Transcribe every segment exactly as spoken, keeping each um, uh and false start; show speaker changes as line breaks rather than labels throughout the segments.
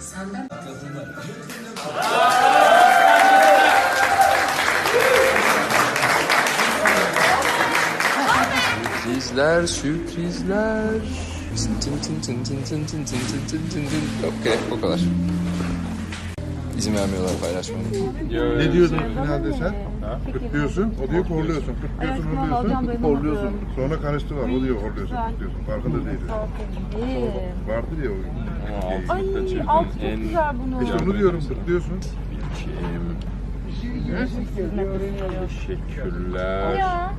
Senden
Sürprizler, sürprizler. Tın tın tın tın tın tın tın tın tın tın tın tın. Okey, o kadar. İzin vermiyorlar paylaşmama.
Ne diyordun finalde sen? Kıtlıyorsun, o diyor horluyorsun. Kıtlıyorsun, horluyorsun. Horluyorsun. Sonra karıştı var, o diyor horluyorsun, kıtlıyorsun. Farkında değil. Vardır ya o.
Ay altı çok güzel bunu.
İşte onu diyorum, kıtlıyorsun.
Teşekkürler.
Ya.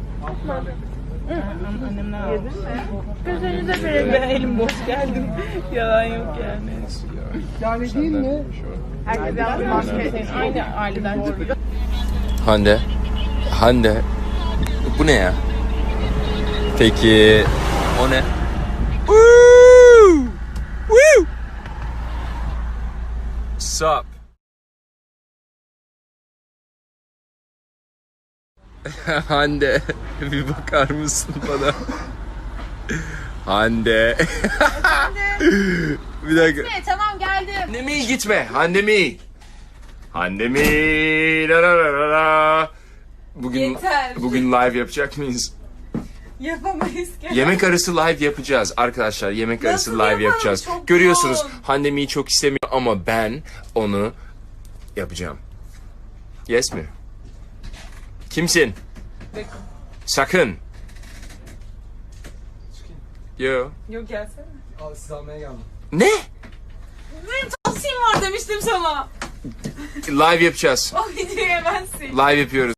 Gözünüze verelim. Ben elim boş geldim. Yalan yok yani.
Yani değil mi?
Herkes yalnız maske. Aynı aileden çıkıyor.
Hande. Hande. Bu ne ya? Peki o ne? Woo! Woo! Sup? Hande, bir bakar mısın bana? Hande. Bir dakika.
Gitme, tamam geldim.
Hande mi gitme? Hande mi? Hande mi? La la la la la. Bugün
Yeter.
bugün live yapacak mıyız?
Yapamayız ki.
Yemek arası live yapacağız arkadaşlar. Yemek arası
Nasıl
live
yapalım?
yapacağız.
Çok
Görüyorsunuz
yoğun.
Hande mi'yi çok istemiyor ama ben onu yapacağım. Yes mi? Kimsin?
Bakın.
Sakın. Yo.
Yok gelsene.
Abi sizi almaya geldim.
Ne?
Benim tavsiyem var demiştim sana.
Live yapacağız.
O videoyu hemen sil.
Live yapıyoruz.